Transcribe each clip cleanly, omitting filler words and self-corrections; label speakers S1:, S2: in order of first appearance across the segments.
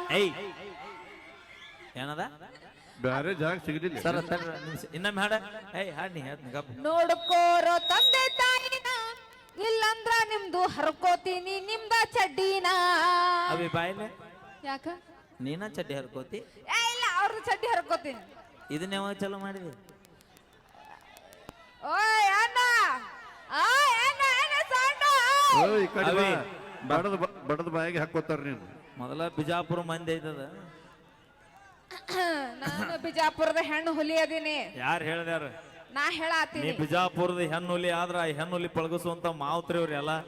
S1: ಏಯ್ ಏನದ
S2: ಬೇರೆ ಜಾಗ ಸಿಗಲಿಲ್ಲ
S1: ಸರ್ ಇನ್ನೊಮ್ಮೆ ಹಾಡ ಏಯ್ ಹಾಡ್ನಿ ಹೇಳ್ತೀನಿ ಗಪ್ಪ.
S3: ನೋಡ್ಕೋರೋ ತಂದೆ ತಾಯಿನ ಇಲ್ಲಂದ್ರ ನಿಮ್ದು ಹರ್ಕೋತೀನಿ ನಿಮ್ದ ಚಡ್ಡಿನ.
S1: ಅವಿ ಬಾಯ್ಲೆ
S3: ಯಾಕ
S1: ನೀನ ಚಡ್ಡಿ ಹರ್ಕೋತಿ?
S3: ಇಲ್ಲ ಅವ್ರದ್ದು ಚಡ್ಡಿ ಹರ್ಕೋತೀನಿ.
S1: ಇದನ್ನ ಯಾವಾಗ ಚಲೋ ಮಾಡಿದಿ?
S3: ಓಯ್ ಅಣ್ಣ
S2: ಈ ಕಡೆ ಬಡದ ಬಾಯಿಗೆ ಹಾಕೋತಾರ ನೀನು.
S1: ಮೊದಲ ಬಿಜಾಪುರ ಮಂದಿ ಐತದ.
S3: ನಾನು ಬಿಜಾಪುರದ ಹೆಣ್ಣು ಹುಲಿ ಅದೀನಿ.
S1: ಯಾರು ಹೇಳ್ದಾರ?
S3: ನಾ
S1: ನೀ
S3: ಹೇಳಾತೀನಿ.
S1: ಬಿಜಾಪುರದ ಹೆಣ್ಣುಲಿ ಆದ್ರ ಆ ಹೆಣ್ಣುಲಿ ಪಳಗಿಸುವಂತ ಮಾವುತ್ರಿ ಅವ್ರಿ ಎಲ್ಲ.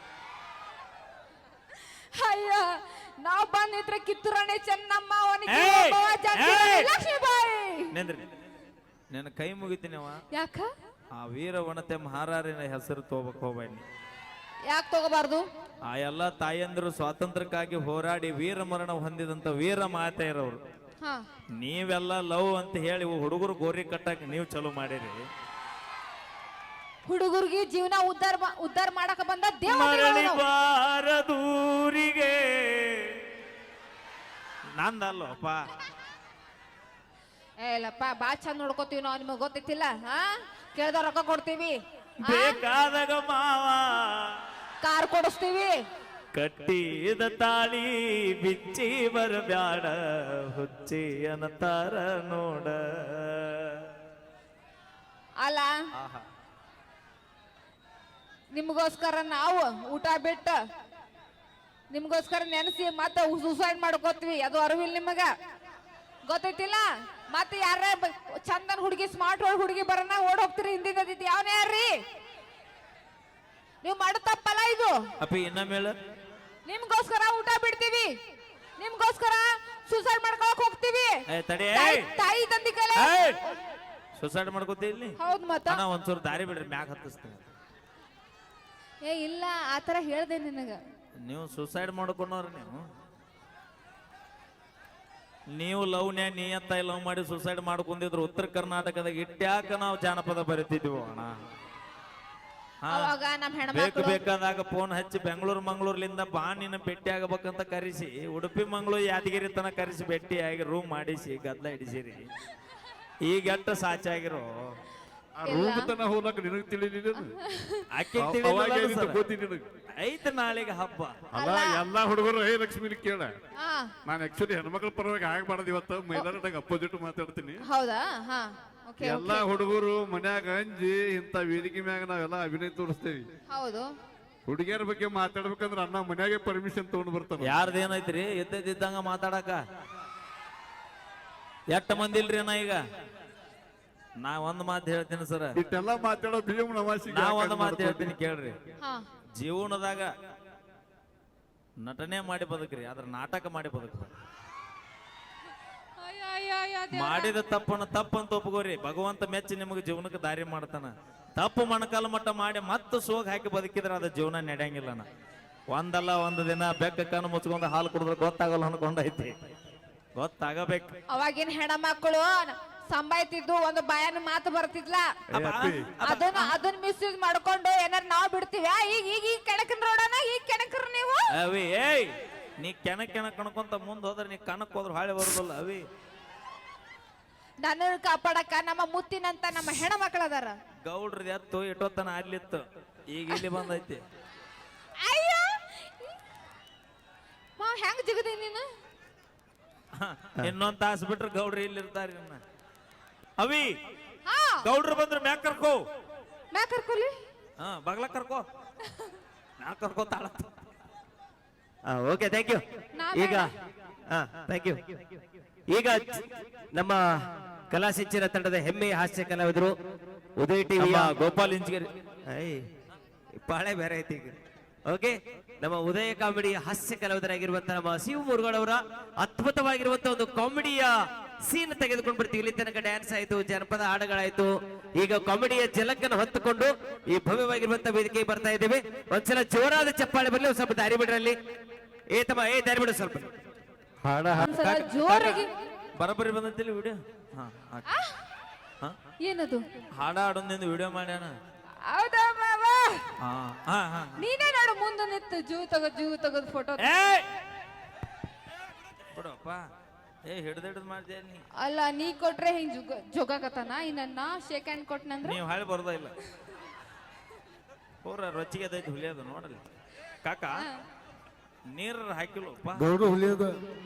S3: ಅಯ್ಯ ನಾವ್ ಬಂದಿದ್ರೆ ಕಿತ್ತೂರಾಣಿ ಚೆನ್ನಮ್ಮ
S1: ಏಯ್!
S3: ಲಕ್ಷ್ಮೀಬಾಯಿ.
S1: ನೆಂದ್ರಿ ನನ್ನ ಕೈ ಮುಗಿತೀನವ.
S3: ಯಾಕ
S1: ಆ ವೀರವನತೆ ಮಹಾರಾರಿನ ಹೆಸರು ತಗೋಬೇಕು ಹೋಗ್ಬೇಡಿ.
S3: ಯಾಕೆ ತಗೋಬಾರ್ದು?
S1: ಆ ಎಲ್ಲ ತಾಯಂದಿರು ಸ್ವಾತಂತ್ರ್ಯಕ್ಕಾಗಿ ಹೋರಾಡಿ ವೀರ ಮರಣ ಹೊಂದಿದಂತ ವೀರ ಮಾತೆಯರವರು.
S3: ಹಾ
S1: ನೀವೆಲ್ಲ ಲವ್ ಅಂತ ಹೇಳಿ ಹುಡುಗರು ಗೋರಿ ಕಟ್ಟಕ್ ನೀವು ಚಲೋ ಮಾಡಿರಿ.
S3: ಹುಡುಗರಿಗೆ ಜೀವನ ಉದ್ಧಾರ ಮಾಡಕ ಬಂದ
S1: ಮರಳಿ ಬಾರದೂರಿಗೆ ನಂದಲ್ಲಪ್ಪ.
S3: ಏಲಪ್ಪ ಬಾ ಚಂದ ನೋಡ್ಕೋತೀವಿ ನಾವು, ನಿಮಗ್ ಗೊತ್ತಿತ್ತಿಲ್ಲ? ಹಾ ಕೇಳ್ದ ರೊಕ್ಕ ಕೊಡ್ತೀವಿ,
S1: ಬೇಕಾದಾಗ ಮಾವ
S3: ಕಾರ್ ಕೊಡಿಸ್ತೀವಿ.
S1: ಕಟ್ಟಿದ ತಾಳಿ ಬಿಚ್ಚಿ ಬರಬ್ಯಾಡ ಹುಚ್ಚಿ ಅನ್ನತಾರ ನೋಡ.
S3: ಅಲ್ಲ ನಿಮ್ಗೋಸ್ಕರ ನಾವು ಊಟ ಬಿಟ್ಟು ನಿಮ್ಗೋಸ್ಕರ ನೆನೆಸಿ ಮತ್ತೆ ಸೂಸೈಡ್ ಮಾಡ್ಕೋತೀವಿ. ಅದು ಅರಿವಿಲ್ಲ ನಿಮಗ, ಗೊತ್ತೈತಿಲ್ಲ? ಮತ್ತೆ ಯಾರ ಚಂದನ್ ಹುಡುಗಿ ಸ್ಮಾರ್ಟ್ ಹುಡುಗಿ ಬರೋಣ ಓಡ್ ಹೋಗ್ತೀರಿ ಹಿಂದಿಂದ ಯಾವನ ಯಾರ್ರಿ? ನೀವು ಮಾಡೋ ತಪ್ಪಲ್ಲ ಇದು.
S1: ಅಪ್ಪಿ ಇನ್ನಮೇಳ
S3: ನಿಮ್ಗೋಸ್ಕರ ಊಟ ಬಿಡ್ತೀವಿ, ನಿಮ್ಗೋಸ್ಕರ ಸೂಸೈಡ್ ಮಾಡ್ಕೊಳಕ್ ಹೋಗ್ತೀವಿ. ತಾಯಿ ತಂದಿ ಕಲೆ
S1: ಸುಸೈಡ್ ಮಾಡ್ಕೋತಿ ಇಲ್ಲಿ.
S3: ಹೌದ್ ಮತ್ತ
S1: ಒಂದ್ಸೂರು ದಾರಿ ಬಿಡ್ರಿ, ಮ್ಯಾಗ ಹತ್ತಿಸ್ತೀನಿ.
S3: ಏ ಇಲ್ಲ ಆತರ ಹೇಳ್ದೆ ನಿನಗ.
S1: ನೀವು ಸುಸೈಡ್ ಮಾಡ್ಕೊಂಡವ್ರ ನೀವು ಲವ್ನ್ಯಾ ನಿಯತ್ತಾಗಿ ಲವ್ ಮಾಡಿ ಸುಸೈಡ್ ಮಾಡ್ಕೊಂಡಿದ್ರು ಉತ್ತರ ಕರ್ನಾಟಕದಾಗ ಇಟ್ಟ್ಯಾಕ ನಾವು ಜಾನಪದ ಬರಿತಿದ್ವಿ ಅಣ್ಣ.
S3: ಅವಾಗ ನಮ್
S1: ಬೇಕು
S3: ಹೆಣ್ಮಕ್ಳು
S1: ಬೇಕಾದಾಗ ಫೋನ್ ಹಚ್ಚಿ ಬೆಂಗಳೂರು ಮಂಗಳೂರ್ಲಿಂದ ಬಾ ನಿನ್ನ ಭೇಟಿ ಆಗಬೇಕಂತ ಕರೆಸಿ ಉಡುಪಿ ಮಂಗಳೂರು ಯಾದಗಿರಿ ತನ ಕರೆಸಿ ಭೇಟಿಯಾಗಿ ರೂಮ್ ಮಾಡಿಸಿ ಗದ್ಲ ಹಿಡಿಸಿರಿ. ಈಗ ಎಟ್ಟ ಸಾಚಾಗಿರೋ
S2: ರೂಮ್ ತನ ಹೋಗ್ಲಕ್ಕ ನಿನಗ್ ತಿಳಿಲಿಲ್ಲ.
S1: ಐತ ನಾಳೆಗೆ ಹಬ್ಬ
S2: ಅಲ್ಲ ಎಲ್ಲಾ ಹುಡುಗರು ಏ ಲಕ್ಷ್ಮಿ ಕೇಳ, ನಾನು ಆಕ್ಚುಲಿ ಹೆಣ್ಮಕ್ಳ ಪರವಾಗಿ ಆಗ್ಬಾರ್ದು. ಇವತ್ತು ಮೈದಾನದಾಗ ಅಪೋಸಿಟ್ ಮಾತಾಡ್ತೀನಿ.
S3: ಹೌದಾ? ಹಾ
S2: ಎಲ್ಲಾ ಹುಡುಗರು ಮನ್ಯಾಗ ಅಂಜಿ ಇಂತ ವೇದಿಕೆ ಮ್ಯಾಗ ನಾವೆಲ್ಲ ಅಭಿನಯ ತೋರಿಸ್ತೇವಿ.
S3: ಹೌದು.
S2: ಹುಡುಗಿಯರ ಬಗ್ಗೆ ಮಾತಾಡ್ಬೇಕಂದ್ರ ಅಣ್ಣ ಮನ್ಯಾಗೆ ಪರ್ಮಿಷನ್ ತಗೊಂಡ್ ಬರ್ತಾನ.
S1: ಯಾರ್ದೇನೈತ್ರಿ ಎದ್ದಿದ್ದಂಗ ಮಾತಾಡಕ? ಎಷ್ಟ ಮಂದಿ ಇಲ್ರಿ ಅಣ್ಣ? ಈಗ ನಾ ಒಂದ್ ಮಾತು ಹೇಳ್ತೀನಿ ಸರ್,
S2: ಇಟ್ಟೆಲ್ಲ ಮಾತಾಡೋ ಭೀಮ್ ನವಾಸಿ.
S1: ನಾ ಒಂದ್ ಮಾತು ಹೇಳ್ತೀನಿ ಕೇಳ್ರಿ.
S3: ಹಾ
S1: ಜೀವನದಾಗ ನಟನೆ ಮಾಡಿ ಬದುಕ್ರಿ, ಆದ್ರ ನಾಟಕ ಮಾಡಿ ಬದುಕ್ರಿ. ಮಾಡಿದ ತಪ್ಪನ್ನ ತಪ್ಪಂತ ಒಪ್ಕೋರಿ. ಭಗವಂತ ಮೆಚ್ಚಿ ನಿಮಗೆ ಜೀವನಕ್ಕೆ ದಾರಿ ಮಾಡ್ತಾನ. ತಪ್ಪು ಮಣಕಾಲ ಮಟ್ಟ ಮಾಡಿ ಮತ್ತೆ ಸೋಗ್ ಹಾಕಿ ಬದುಕಿದ್ರೆ ಅದ ಜೀವನ ನಡೆಯಂಗಿಲ್ಲನ. ಒಂದಲ್ಲ ಒಂದು ದಿನ ಬೆಕ್ಕ ಕಣ್ಣು ಮುಚ್ಕೊಂಡು ಹಾಲು ಕುಡಿದ್ರೆ ಗೊತ್ತಾಗಲ್ಲ ಅನ್ಕೊಂಡೈತಿ. ಗೊತ್ತಾಗಬೇಕು.
S3: ಅವಾಗಿನ ಹೆಣ್ಮಕ್ಳು ಸಂಬಾಯ್ತಿದ್ದು ಒಂದು ಬಾಯನ ಮಾತು ಬರ್ತಿದ್ಲ. ಅದನ್ನ ಮಿಸ್ಯೂಸ್ ಮಾಡ್ಕೊಂಡು ಏನಾರ ನಾವ್ ಬಿಡ್ತೀವಿ. ಈಗ ಈಗ ಈ ಕೆಣಕನ್ ರೋಡನ ಈಗ ಕೆಣಕ್ರ ನೀವು.
S1: ಅವಿ ಏಯ್ ನೀ ಕೆಣಕ್ ಕಣ್ಕೊಂತ ಮುಂದ್ ಹೋದ್ರೆ ನೀ ಕಣಕ್ ಹೋದ್ರೆ ಹಾಳೆ ಬರುದಿಲ್ಲ. ಅವಿ
S3: ನನ್ನ ಕಾಪಾಡಕ ನಮ್ಮ ಮುತ್ತಿನಂತ ನಮ್ಮ ಹೆಣ್ಮಕ್ಳು ಅದಾರ.
S1: ಗೌಡ್ರದ್ ಎತ್ತು ಇಟ್ಟೋತನ ಅಲ್ಲಿತ್ತು, ಈಗ ಇಲ್ಲಿ ಬಂದೈತಿ.
S3: ಅಯ್ಯೋ ಹೆಂಗ್ ಜಿಗದಿ ನೀನು?
S1: ಇನ್ನೊಂದ್ ತಾಸ್ ಬಿಟ್ರೆ ಗೌಡ್ರಿ ಇಲ್ಲಿ ಇರ್ತಾರ. ಅವಿ ಗೌಡ್ರು ಬಂದ್ರೆ ಮ್ಯಾಕ್ ಕರ್ಕೋ.
S3: ಮ್ಯಾಕ್ ಕರ್ಕೊಲಿ?
S1: ಬಗ್ಲ ಕರ್ಕೋ. ಮ್ಯಾಕ್ ಕರ್ಕೋತಾಳ.
S4: Okay thank you. ಈಗ ಥ್ಯಾಂಕ್ ಯು. ಈಗ ನಮ್ಮ ಕಲಾ ಸಿಂಚನ ತಂಡದ ಹೆಮ್ಮೆಯ ಹಾಸ್ಯ ಕಲಾವಿದರು ಉದಯ ಟಿವಿಯ
S1: ಗೋಪಾಲ್ ಇಂಜಿಗೇರಿ
S4: ಪಾಳೆ ಬೇರೆ ಐತಿ ಈಗ. ಓಕೆ, ನಮ್ಮ ಉದಯ ಕಾಮಿಡಿ ಹಾಸ್ಯ ಕಲಾವಿದರಾಗಿರುವಂತಹ ನಮ್ಮ ಶಿವ ಮುರುಗಳವರ ಅದ್ಭುತವಾಗಿರುವಂತಹ ಒಂದು ಕಾಮಿಡಿಯ ಸೀನ್ ತೆಗೆದುಕೊಂಡು ಬರ್ತೀವಿ. ಇಲ್ಲಿ ತನಕ ಡ್ಯಾನ್ಸ್ ಆಯ್ತು, ಜನಪದ ಹಾಡುಗಳಾಯ್ತು. ಈಗ ಕಾಮಿಡಿಯ ಜಲಕ್ಕನ್ನು ಹೊತ್ತುಕೊಂಡು ಈ ಭವ್ಯವಾಗಿರುವಂತಹ ವೇದಿಕೆಗೆ ಬರ್ತಾ ಇದ್ದೇವೆ. ಒಂದ್ಸಲ ಜೋರಾದ ಚಪ್ಪಾಳೆ ಬರಲಿ, ಒಂದ್ ಸ್ವಲ್ಪ ದಾರಿ ಬಿಡ್ರಲ್ಲಿ. ದಾರಿ ಬಿಡು ಸ್ವಲ್ಪ.
S3: ಜೋರಾಗಿ
S1: ಬರಬರಿ ಬಂದಂತಿಲ್ಲ ವಿಡಿಯೋ.
S3: ಏನದು?
S1: ಹಾಡ ಹಾಡೊಂದಿಂದ ವಿಡಿಯೋ ಮಾಡ್ಯಾನ.
S3: ಹೌದಾ ಮಾವ? ನೀನೇ ನೋಡು ಮುಂದೆ ನಿಂತು ಜೂ ತಗೋದ್ ಫೋಟೋ.
S1: ಯಪ್ಪ ಏ ಹಿಡ್ದು ಮಾಡ್ತೇನೆ ನೀ
S3: ಅಲ್ಲ ನೀ ಕೊಟ್ರೆ ಹಿಂಗ್ ಜೋಗಾಕತ್ತಾನ ಇನ್ನ ಶೇಕ್ ಹ್ಯಾಂಡ್ ಕೊಟ್ನಂದ್ರ
S1: ನೀವು ಹಾಳಿ ಬರೋದ ಇಲ್ಲ ಪೂರ ರೊಚ್ಚಿಗೆ ಅದೈತಿ ಹುಲಿಯೋದು ನೋಡಲಿ ಕಾಕ ನೀರ್ ಹಾಕಿಲ್ಲಪ್ಪ
S2: ಗೌಡ್ರು ಹುಲಿಯೋದು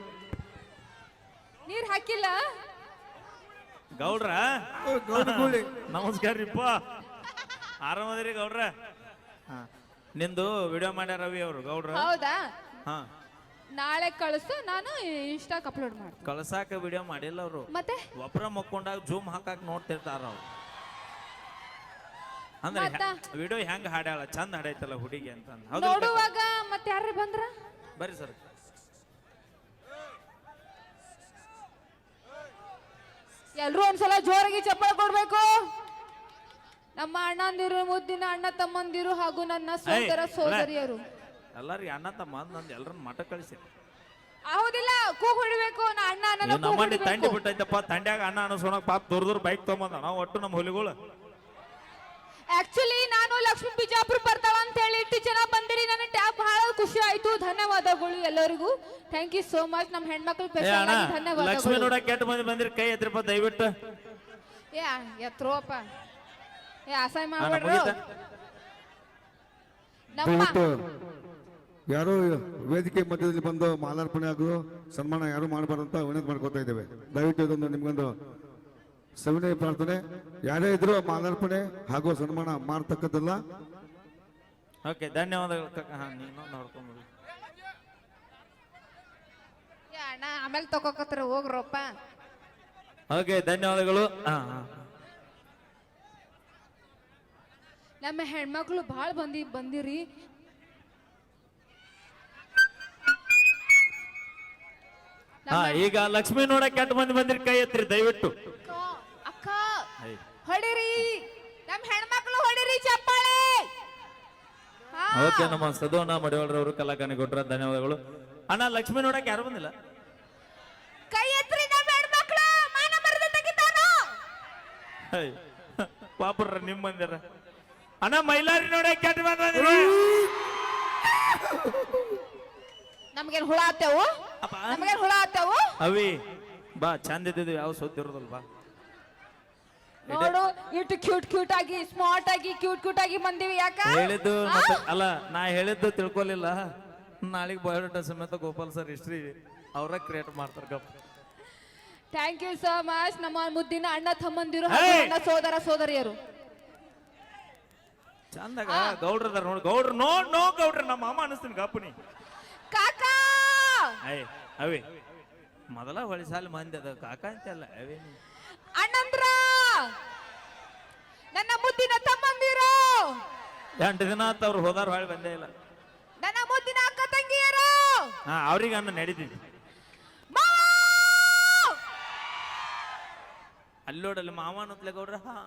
S3: ನೀರ್ ಹಾಕಿಲ್ಲ
S1: ಗೌಡ್ರ ನಮಸ್ಕಾರ ರೀಪ್ಪ ಆರಾಮದಿರಿ ಗೌಡ್ರ ಹಾ ನಿಂದು ವಿಡಿಯೋ ಮಾಡ್ಯಾರ ರವಿ ಅವರು ಗೌಡ್ರ
S3: ಹೌದಾ
S1: ಹಾ
S3: ನಾಳೆ ಕಳಿಸು ನಾನು ಇನ್ಸ್ಟಾಕ್ ಅಪ್ಲೋಡ್ ಮಾಡ್ತೀನಿ
S1: ಕಳ್ಸಾಕ ವಿಡಿಯೋ ಮಾಡಿಲ್ಲ ಅವರು
S3: ಮತ್ತೆ
S1: ಒಬ್ರ ಮಕ್ಕೊಂಡಾಗ ಜೂಮ್ ಹಾಕಾಕ ನೋಡ್ತಿರ್ತಾರ ಅವ್ರು ಅಂದ್ರೆ ವಿಡಿಯೋ ಹೆಂಗ್ ಹಾಡ್ಯಾಳ ಚಂದ ಹಾಡೈತಲ್ಲ ಹುಡುಗಿ ಅಂತ ಹೌದು
S3: ನೋಡುವಾಗ ಮತ್ತೆ ಯಾರು ಬಂದ್ರ
S1: ಬರ್ರಿ ಸರ್
S3: ಎಲ್ರು ಒಂದ್ಸಲ ಜೋರಾಗಿ ಚಪ್ಪಾಳೆ ಕೊಡ್ಬೇಕು ನಮ್ಮ ಅಣ್ಣಂದಿರು ಮುದ್ದಿನ ಅಣ್ಣ ತಮ್ಮಂದಿರು ಹಾಗೂ ನನ್ನ ಸೋದರ ಸೋದರಿಯರು
S1: ಎಲ್ಲಾರಿಗೆ ಅಣ್ಣ ತಮ್ಮ ನಂದು ಎಲ್ಲರನ್ನ ಮಠ ಕಳಿಸಿ
S3: ಹೌದಿಲ್ಲ ಕೂಗ್ ಹೊಡಿಬೇಕು ನಾ ಅಣ್ಣ ನನ್ನ ಕೂಗ್
S1: ನಮ್ಮಂಡಿ ತಂಡಿ
S3: ಹೊಡಿಬೇಕು.
S1: ಬಿಟ್ಟೈತಪ್ಪ ತಂಡ್ಯಾಗ ಅಣ್ಣ ಅನಸೋಣಕ್ ಪಾಪ ದೂರ ಬೈಕ್ ತಗೊಂಬಂದ ನಾವು ಒಟ್ಟು ನಮ್ಮ ಹುಲಿಗಳು
S3: ಆಕ್ಚುಲಿ ನಾನು ಲಕ್ಷ್ಮೀ ಬಿಜಾಪುರ ಬರ್ತಾಳ ಅಂತ ಹೇಳಿ ಇಷ್ಟು ಜನ ಬಂದಿರಿ ನನ್ನ ಟ್ಯಾಬ್ ಬಹಳ ಖುಷಿ ಆಯ್ತು ಧನ್ಯವಾದಗಳು ಎಲ್ಲರಿಗೂ ಥ್ಯಾಂಕ್ ಯು ಸೋ ಮಚ್ ನಮ್ಮ ಹೆಣ್ಮಕ್ಳು
S1: ಏ
S3: ಸ್ಪೆಷಲ್
S1: ಅಣ್ಣ
S3: ಆಗಿ
S1: ಲಕ್ಷ್ಮಿ
S3: ಧನ್ಯವಾದಗಳು
S1: ನೋಡಕ್ ಕೆಟ್ಟ ಮಂದಿ ಬಂದಿರಿ ಕೈ ಎತ್ತಿರಪ್ಪ ದಯವಿಟ್ಟು
S3: ಎತ್ರೋಪ ಅಸಹ್ಯ
S1: ಅಣ್ಣ
S3: ಮಾಡ್ಬೇಡ್ರು
S1: ಮುಗೀತಾ?
S3: ನಮ್ಮ
S2: ದಯವಿಟ್ಟು ಯಾರು ವೇದಿಕೆ ಮಧ್ಯದಲ್ಲಿ ಬಂದು ಮಾಲಾರ್ಪಣೆ ಹಾಗೂ ಸನ್ಮಾನ ಯಾರು ಮಾಡಬಾರ್ದಂತ ವಿನಂತಿ ಮಾಡ್ಕೋತಾ ಇದ್ದೇವೆ ದಯವಿಟ್ಟು ಇದೊಂದು ನಿಮ್ಗೊಂದು ಸವಿನಯ ಪ್ರಾರ್ಥನೆ ಯಾರೇ ಇದ್ರು ಮಾಲಾರ್ಪಣೆ ಹಾಗೂ ಸನ್ಮಾನ ಮಾಡ್ತಕ್ಕದ್ದಲ್ಲ
S1: ಓಕೆ ಧನ್ಯವಾದಗಳು ಕಕ್ಕ ಹಾ ನೀನು ನೋಡ್ಕೊಂಡ್ಬಿಡಿ
S3: ಅಣ್ಣ ಆಮೇಲೆ ತಗೋಕತ್ರ ಹೋಗ್ರಪ್ಪ
S1: ಓಕೆ ಧನ್ಯವಾದಗಳು ಹಾ ಹಾ
S3: ನಮ್ಮ ಹೆಣ್ಮಕ್ಳು ಭಾಳ ಬಂದಿರಿ
S1: ಹಾ ಈಗ ಲಕ್ಷ್ಮಿ ನೋಡಕ್ ಕೆಟ್ಟ ಮಂದಿ ಬಂದಿರಿ ಕೈ ಎತ್ತಿರಿ ದಯವಿಟ್ಟು
S3: ಅಕ್ಕ ಹೊಡಿರಿ ನಮ್ಮ ಹೆಣ್ಮಕ್ಳು ಹೊಡಿರಿ ಚಪ್ಪಾಳೆ ಹಾ.
S1: ಓಕೆ ನಮ್ಮ ಸದೋನ ಮಡಿವಾಳ್ರವರು ಕಲಾಕಾನಿ ಕೊಟ್ರ ಧನ್ಯವಾದಗಳು ಅಣ್ಣ ಲಕ್ಷ್ಮಿ ನೋಡಕ್ ಯಾರು ಬಂದಿಲ್ಲ
S3: ಕೈ ಎತ್ರಿ ನಮ್ಮ ಹೆಣ್ಮಕ್ಳು ಮಾನ ಮರ್ಯಾದೆ ತೆಗಿತಾನು
S1: ಪಾಪರ್ರ ನಿಮ್ ಬಂದಿರ ಅಣ್ಣ ಮೈಲಾರಿ ನೋಡಕ್ ಕೆಟ್ಟ ಮಂದಿ ಬಂದಿರಿ
S3: ನಮ್ಗೇನ್ ಹುಳ ಆತೇವು
S1: ಅಪ್ಪ.
S3: ನಮ್ಗೇನ್ ಹುಳ ಆತೇವು
S1: ಅವಿ ಬಾ ಚಂದ ಇದ್ದಿದ್ವಿ ಯಾವ ಸುದ್ದಿ ಇರೋದಲ್ ಬಾ
S3: ನೋಡು ಇಟ್ಟು ಕ್ಯೂಟ್ ಆಗಿ ಸ್ಮಾರ್ಟ್ ಆಗಿ ಕ್ಯೂಟ್ ಆಗಿ ಬಂದಿವಿ ಯಾಕ
S1: ಹೇಳಿದ್ದು ಮತ್ತೆ ಅಲ್ಲ ನಾ ಹೇಳಿದ್ದು ತಿಳ್ಕೊಲಿಲ್ಲ ನಾಳೆಗೆ ಬಯೋಡಾಟಾ ಸಮೇತ ಗೋಪಾಲ್ ಸರ್ ಹಿಸ್ಟ್ರಿ ಅವರ ಕ್ರಿಯೇಟ್ ಮಾಡ್ತಾರ ಗಪ್ಪ
S3: ಥ್ಯಾಂಕ್ ಯು ಸೋ ಮಚ್ ನಮ್ಮ ಮುದ್ದಿನ ಅಣ್ಣ ತಮ್ಮಂದಿರು
S1: Hey!
S3: ಹಾಗೂ ನನ್ನ ಸೋದರ ಸೋದರಿಯರು
S1: ಚಂದಾಗ ಗೌಡ್ರದಾರ ನೋಡಿ ಗೌಡ್ರ ನೋ ಗೌಡ್ರ ನಮ್ಮ ಮಾಮ ಅನಿಸ್ತೀನಿ ಗಪ್ಪನಿ
S3: ಕಾಕಾ
S1: ಅಯ್ಯ ಅವಿ ಮೊದಲ ಹೊಳಿ ಸಾಲ ಮಂದಿ ಅದ ಕಾಕ ಅಂತೆಲ್ಲ ಅವೇ
S3: ಅಣ್ಣಂದ್ರ ನನ್ನ ಮುದ್ದಿನ ತಮ್ಮಂದಿರು
S1: 8 ದಿನ ಆತ ಅವ್ರು ಹೋದಾರ ಹೊಳಿ ಬಂದೇ ಇಲ್ಲ
S3: ನನ್ನ ಮುದ್ದಿನ ಅಕ್ಕ ತಂಗಿಯರು
S1: ಹಾ ಅವ್ರಿಗೆ ಅನ್ನ ನಡೀತಿದ್ವಿ
S3: ಮಾವ!
S1: ಅಲ್ಲೋಡಲ್ಲಿ ಮಾವ ಅನ್ನತ್ಲೆ ಗೌಡ್ರ ಹಾ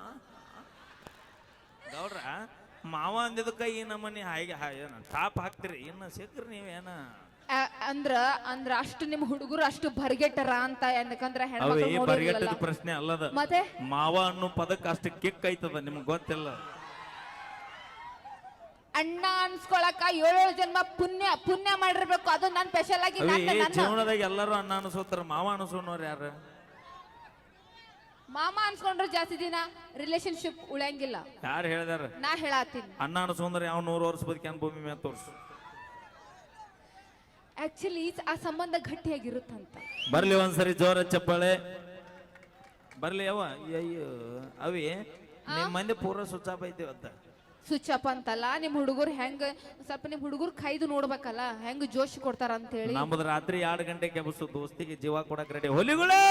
S1: ಗೌಡ್ರ ಮಾವ ಅಂದಿದ್ದಕ್ಕ ಈ ನಮ್ಮನಿ ಹಾಗೆ ಟಾಪ್ ಹಾಕ್ತಿರಿ ಇನ್ನು ಸಿಕ್ಕ್ರಿ ನೀವೇನ
S3: ಅಂದ್ರ ಅಷ್ಟು ನಿಮ್ ಹುಡುಗರು ಅಷ್ಟು ಬರ್ಗೆಟ್ಟರ ಅಂತ ಯಾಕಂದ್ರ
S1: ಅವೇ
S3: ಹೆಣ್ಮಕ್ಳು ನೋಡಿರಲ್ಲ
S1: ಬರಿಗಟ್ಟದ ಪ್ರಶ್ನೆ ಅಲ್ಲದ
S3: ಮತ್ತೆ
S1: ಮಾವ ಅನ್ನೋ ಪದಕ್ಕೆ ಅಷ್ಟು ಕಿಕ್ ಐತದ ನಿಮ್ಗೆ ಗೊತ್ತಿಲ್ಲ
S3: ಅಣ್ಣ ಅನ್ಸ್ಕೊಳಕ 7 ಜನ್ಮ ಪುಣ್ಯ ಮಾಡಿರ್ಬೇಕು ಅದು ನನ್ ಸ್ಪೆಷಲ್ ಆಗಿ
S1: ಅವೇ
S3: ನನ್ನ
S1: ಜೀವನದಾಗ ಎಲ್ಲರೂ ಅಣ್ಣ ಅನಿಸೋತಾರ ಮಾವ ಅನಿಸೋನವ್ರು ಯಾರು
S3: ಮಾಮ ಅನ್ಸ್ಕೊಂಡ್ರೆ ಜಾಸ್ತಿ ದಿನ ರಿಲೇಶನ್ಶಿಪ್ ಉಳಿಯಂಗಿಲ್ಲ
S1: ಯಾರು ಹೇಳಿದಾರ
S3: ನಾ ಹೇಳತ್ತೀನಿ
S1: ಅಣ್ಣ ಅನಿಸೋಂದ್ರೆ ಯಾವ 100 ವರ್ಷ ಬದುಕ್ಯಾನ ಭೂಮಿ ಮೇಲೆ ತೋರ್ಸು
S3: ಆಕ್ಚುಲಿ ಆ ಸಂಬಂಧ ಗಟ್ಟಿಯಾಗಿರುತ್ತಂತ
S1: ಬರ್ಲಿ ಒಂದ್ಸರಿ ಜೋರ ಚಪ್ಪಾಳೆ ಬರ್ಲಿ ಯಾವ ಅಯ್ಯೋ ಅವಿ ನಿಮ್ ಮಂದಿ ಪೂರ ಸುಚ್ಚಾಪ ಐತಿವತ್ತ
S3: ಸ್ವಿಚ್ ಅಪ್ ಅಂತಲ್ಲ ನಿಮ್ ಹುಡುಗರು ಹೆಂಗ ಸ್ವಲ್ಪ ನಿಮ್ ಹುಡುಗರು ಕೈದು ನೋಡ್ಬೇಕಲ್ಲ ಹೆಂಗ್ ಜೋಶ್ ಕೊಡ್ತಾರ ಅಂತ ಹೇಳಿ
S1: ನಮ್ಮದು ರಾತ್ರಿ 2 ಗಂಟೆಗೆ ಕೆಬಸು ದೋಸ್ತಿಗೆ ಜೀವ ಕೊಡಕ್ ರೆಡಿ ಹೊಲಿಗಳೇ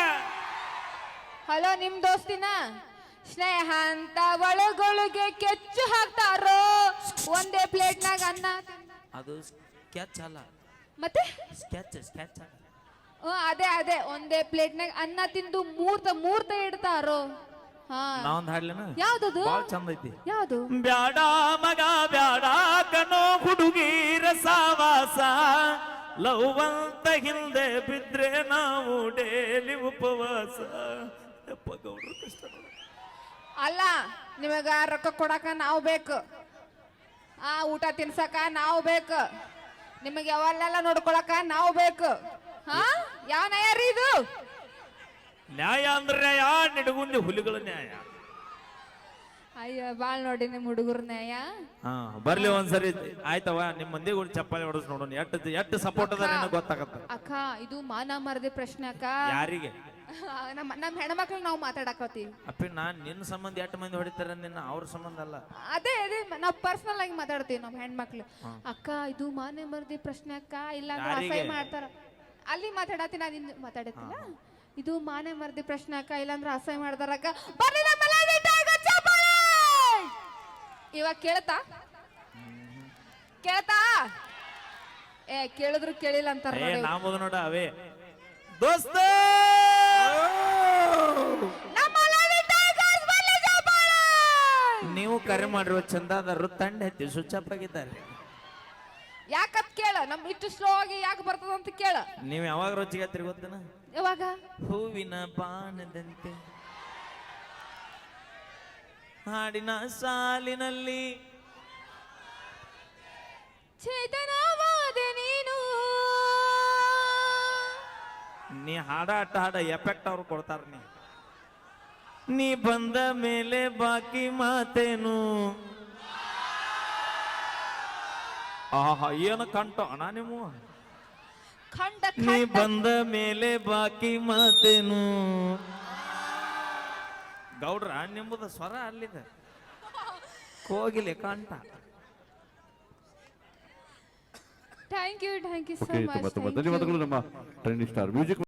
S3: ಹಲೋ ನಿಮ್ ದೋಸ್ತಿನ ಸ್ನೇಹ ಅಂತ ಒಳಗೊಳಗೆ ಕೆಚ್ಚು ಹಾಕ್ತಾರೋ ಒಂದೇ ಪ್ಲೇಟ್ನಾಗ ಅನ್ನ
S1: ಅದು ಸ್ಕೆಚ್ ಅಲ್ಲ
S3: ಮತ್ತೆ
S1: ಸ್ಕೆಚ್
S3: ಅದೇ ಒಂದೇ ಪ್ಲೇಟ್ನಾಗ ಅನ್ನ ತಿಂದು ಮೂರ್ತ ಇಡ್ತಾರೋ ಹಾ
S1: ನಾವೊಂದ್ ಹಾಡ್ಲೇನ
S3: ಯಾವ್ದದು
S1: ಬಾಳ ಚಂದ ಐತಿ
S3: ಯಾವ್ದು
S1: ಬ್ಯಾಡ ಮಗ ಬ್ಯಾಡ ಕನೋ ಹುಡುಗೀರ ಸಾವಾಸ ಲವ್ ಅಂತ ಹಿಂದೆ ಬಿದ್ರೆ ನಾವು ಡೇಲಿ ಉಪವಾಸ ಯಪ್ಪ ಗೌಡ್ರ ಕಷ್ಟ ನೋಡು.
S3: ಅಲ್ಲ ನಿಮಗ ರೊಕ್ಕ ಕೊಡಕ ನಾವು ಬೇಕು ಊಟ ತಿನ್ಸಕ ನಾವು ಬೇಕು ನಿಮಗೆ ಯಾವಲ್ಲೆಲ್ಲ ನೋಡ್ಕೊಳಕ ನಾವು ಬೇಕು ಹಾ ಯಾವ ನ್ಯಾಯ ರೀ ಇದು?
S1: ನ್ಯಾಯ ಅಂದ್ರೆ ನ್ಯಾಯ, ನಿಡಗುಂದಿ ಹುಲಿಗಳ ನ್ಯಾಯ.
S3: ಅಯ್ಯ ಬಾಳ್ ನೋಡಿ ನಿಮ್ ಹುಡುಗರ ನ್ಯಾಯ.
S1: ಹಾ ಬರ್ಲಿ ಒಂದ್ಸರಿ ಆಯ್ತವ, ನಿಮ್ ಮಂದಿಗೆ ಒಂದು ಚಪ್ಪಾಳಿ ಹೊಡೆಸ್ ನೋಡೋಣ. ಎಷ್ಟು ಸಪೋರ್ಟ್ ಅದ ಗೊತ್ತಾಗತ್ತ.
S3: ಅಕ್ಕ ಇದು ಮಾನ ಮರದೆ ಪ್ರಶ್ನೆ ಅಕ್ಕ.
S1: ಯಾರಿಗೆ?
S3: ನಮ್ ಹೆಣ್ಮಕ್ಳು ನಾವು ಮಾತಾಡಕತ್ತೀವಿ.
S1: ಅಪ್ಪಿ ನಾನ್ ನಿನ್ನ ಸಂಬಂಧ 8 ಮಂದಿ ಹೊಡಿತಾರ, ನಿನ್ನ ಅವ್ರ ಸಂಬಂಧ ಅಲ್ಲ.
S3: ಅದೇ ನಾವ್ ಪರ್ಸನಲ್ ಆಗಿ ಮಾತಾಡ್ತೀವಿ ನಮ್ ಹೆಣ್ಮಕ್ಳು. ಅಕ್ಕ ಇದು ಮಾನ ಮರದೆ ಪ್ರಶ್ನೆ ಅಕ್ಕ, ಇಲ್ಲ ಅಸಹ್ಯ ಮಾಡ್ತಾರ. ಅಲ್ಲಿ ಮಾತಾಡತ್ತೀನಿ, ನಾನು ಇನ್ನು ಮಾತಾಡತ್ತಿಲ್ಲ. ಇದು ಮಾನೆ ಮರದಿ ಪ್ರಶ್ನೆ ಅಕ್ಕ, ಇಲ್ಲಾಂದ್ರೆ ಅಸಹ್ಯ ಮಾಡ್ತಾರ ಅಕ್ಕ. ಬರ್ಲಿ ನಮ್ಮ ಲೈವ್ ಇಟ್ಟಾಗ ಚಪ್ಪಾಳೆ. ಇವಾಗ ಕೇಳ್ತಾ ಕೇಳಿದ್ರು ಕೇಳಿಲ್ಲ ಅಂತಾರ ನೋಡಿ.
S1: ನಾಮದು ನೋಡ ಅವೇ ದೋಸ್ತ. ನೀವು ಕರೆ ಮಾಡಿರುವ ಚಂದಾದಾರರು ತಂಡ ಎತ್ತಿ ಸ್ವಿಚ್ ಆಫ್ ಆಗಿದ್ದಾರೆ.
S3: ಯಾಕತ್ ಕೇಳ, ನಮ್ ಇಷ್ಟು ಸ್ಲೋ ಆಗಿ ಯಾಕೆ ಬರ್ತದ ಅಂತ ಕೇಳ.
S1: ನೀವ್ ಯಾವಾಗ ರುಚಿಗೆ ಹತ್ತಿರ ಗೊತ್ತನ?
S3: ಯಾವಾಗ?
S1: ಹೂವಿನ ಬಾಣದಂತೆ ಹಾಡಿನ ಸಾಲಿನಲ್ಲಿ
S3: ಚೇತನವಾದ ನೀನು.
S1: ನೀ ಹಾಡ ಎಫೆಕ್ಟ್ ಅವ್ರು ಕೊಡ್ತಾರ. ನೀ ಬಂದ ಮೇಲೆ ಬಾಕಿ ಮಾತೇನು. ಆಹಾ ಏನು ಕಂಠ ಅಣ್ಣ ನೀವು. ನೀ ಬಂದ ಮೇಲೆ ಬಾಕಿ ಮಾತೇನು. ಗೌಡ್ರ ನಿಮ್ಮದ ಸ್ವರ ಅಲ್ಲಿದೆ, ಕೋಗಿಲೆ ಕಂಠ.
S3: ಥ್ಯಾಂಕ್ ಯು ಸೊ
S5: ತುಂಬಾ
S3: ಮಚ್.
S5: ಧನ್ಯವಾದಗಳು ನಮ್ಮ ಟ್ರೆಂಡಿ ಸ್ಟಾರ್ ಮ್ಯೂಸಿಕ್